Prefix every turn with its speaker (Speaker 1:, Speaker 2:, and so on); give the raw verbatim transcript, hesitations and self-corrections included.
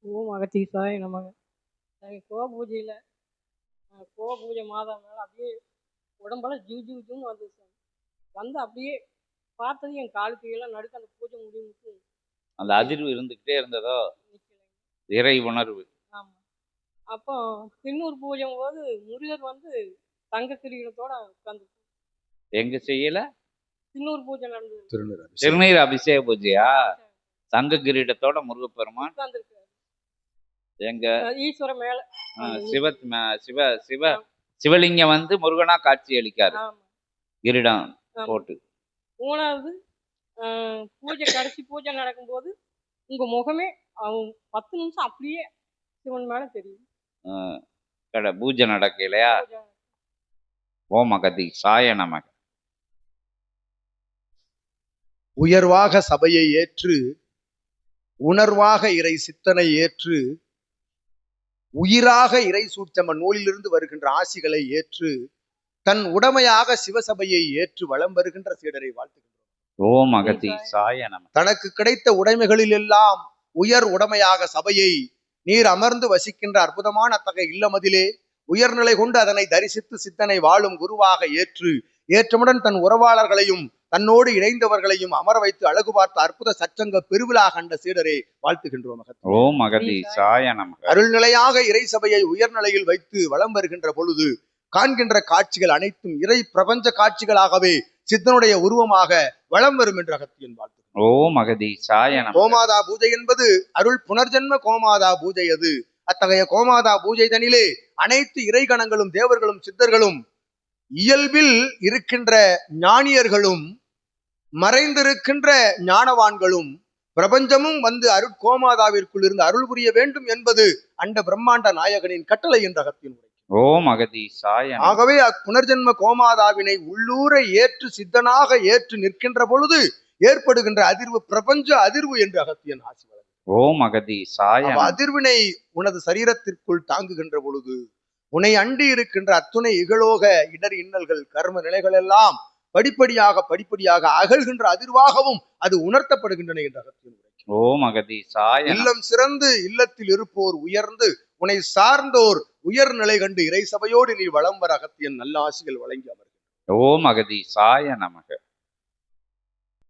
Speaker 1: ஓம் அகத்தீசாய நமக. நாங்கள் கோ பூஜையில் கோ பூஜை மாதம் மேலே அப்படியே உடம்பெல்லாம் ஜிவ் ஜிவ் ஜிவ்னு வந்துச்சு சார். வந்து அப்படியே பார்த்தது என் கால் கையெல்லாம் நடுக்க அந்த பூஜை முடிவுக்கு
Speaker 2: அந்த அதிர்வு இருந்துக்கிட்டே இருந்ததோ,
Speaker 1: நிற்கலை.
Speaker 2: இறை உணர்வு.
Speaker 1: ஆமாம். அப்போ திண்ணூர் பூஜை போது முருகர் வந்து தங்க கிரீடத்தோட உட்காந்து
Speaker 2: எங்க செய்யல
Speaker 1: திண்ணூர் பூஜை நடந்தது.
Speaker 3: திருநீர் அபிஷேகம்.
Speaker 2: திருநீர் அபிஷேக பூஜையா? தங்க கிரீடத்தோட முருகப்பெருமான்
Speaker 1: உட்கார்ந்துருக்காரு.
Speaker 2: எங்க
Speaker 1: ஈஸ்வர மேல
Speaker 2: அஹ், சிவ ம- சிவ சிவ சிவலிங்கம் வந்து முருகனா காட்சி அளிக்காரு
Speaker 1: ஆமாம்.
Speaker 2: கிரீடம்
Speaker 1: ஆமாம்.
Speaker 2: போட்டு.
Speaker 1: மூணாவது ஆஹ், பூஜை கடைசி பூஜை நடக்கும்போது உங்க முகமே அவன் பத்து நிமிஷம் அப்படியே சிவன் மேல தெரியும்.
Speaker 2: அஹ், கடை பூஜை நடக்கலையா?
Speaker 1: பூஜை
Speaker 2: ஓம் அகதி சாய நமக.
Speaker 3: உயர்வாக சபையை ஏற்று உணர்வாக இறை சித்தனை ஏற்று உயிராக இறை சூட்சம நூலிலிருந்து வருகின்ற ஆசிகளை ஏற்று தன் உடமையாக சிவசபையை ஏற்று வலம் வருகின்ற சீடரை வாழ்த்துகின்றோம்.
Speaker 2: ஓம் அகதி சாய நமக.
Speaker 3: தனக்கு கிடைத்த உடைமைகளில் எல்லாம் உயர் உடைமையாக சபையை நீர் அமர்ந்து வசிக்கின்ற அற்புதமான அத்தகைய இல்லமதிலே உயர்நிலை கொண்டு அதனை தரிசித்து சித்தனை வாழும் குருவாக ஏற்று ஏற்றமுடன் தன் உறவாளர்களையும் தன்னோடு இணைந்தவர்களையும் அமர வைத்து அழகு பார்த்த அற்புத சச்சங்க பெருவிழா கண்ட சீடரை வாழ்த்துகின்றோம்.
Speaker 2: ஓம் அகதி சாய நமக.
Speaker 3: அருள்நிலையாக இறை சபையை உயர்நிலையில் வைத்து வலம் வருகின்ற பொழுது காண்கின்ற காட்சிகள் அனைத்தும் இறை பிரபஞ்ச காட்சிகளாகவே சித்தனுடைய உருவமாக வலம் வரும் என்று அகத்தியன் வாழ்த்து.
Speaker 2: ஓம் அகதி சாய நமக.
Speaker 3: கோமாதா பூஜை என்பது அருள் புனர்ஜென்ம கோமாதா பூஜை. அது அத்தகைய கோமாதா பூஜை தனிலே அனைத்து இறைகணங்களும் தேவர்களும் சித்தர்களும் இயல்பில் இருக்கின்ற ஞானியர்களும் மறைந்திருக்கின்ற ஞானவான்களும் பிரபஞ்சமும் வந்து அருள் கோமாதாவிற்குள் இருந்து அருள் புரிய வேண்டும் என்பது அண்ட பிரம்மாண்ட நாயகனின் கட்டளை என்ற அகத்தின் உரை.
Speaker 2: ஓம் அகதி சாய நமக.
Speaker 3: ஆகவே அப்புனர்ஜென்ம கோமாதாவினை உள்ளூர ஏற்று சித்தனாக ஏற்று நிற்கின்ற பொழுது ஏற்படுகின்ற அதிர்வு பிரபஞ்ச அதிர்வு என்று அகத்தியன் ஆசி வழங்கும்.
Speaker 2: ஓம் அகதி சாய நமக.
Speaker 3: அதிர்வினை உனது சரீரத்திற்குள் தாங்குகின்ற பொழுது உன்னை அண்டி இருக்கின்ற அத்துணை இகழோக இடர் இன்னல்கள் கர்ம நிலைகள் எல்லாம் படிப்படியாக படிப்படியாக அகழ்கின்ற அதிர்வாகவும் அது உணர்த்தப்படுகின்றன என்ற அகத்தியன் உரை.
Speaker 2: ஓம் அகதி சாய நமக.
Speaker 3: இல்லம் சிறந்து இல்லத்தில் இருப்போர் உயர்ந்து உன்னை சார்ந்தோர் உயர் நிலை கண்டு இறை சபையோடு நீ வளம் வர அகத்தியன் நல்ல ஆசிகள் வழங்கி அமர்கிறார்.
Speaker 2: ஓம் அகதி சாய நமக.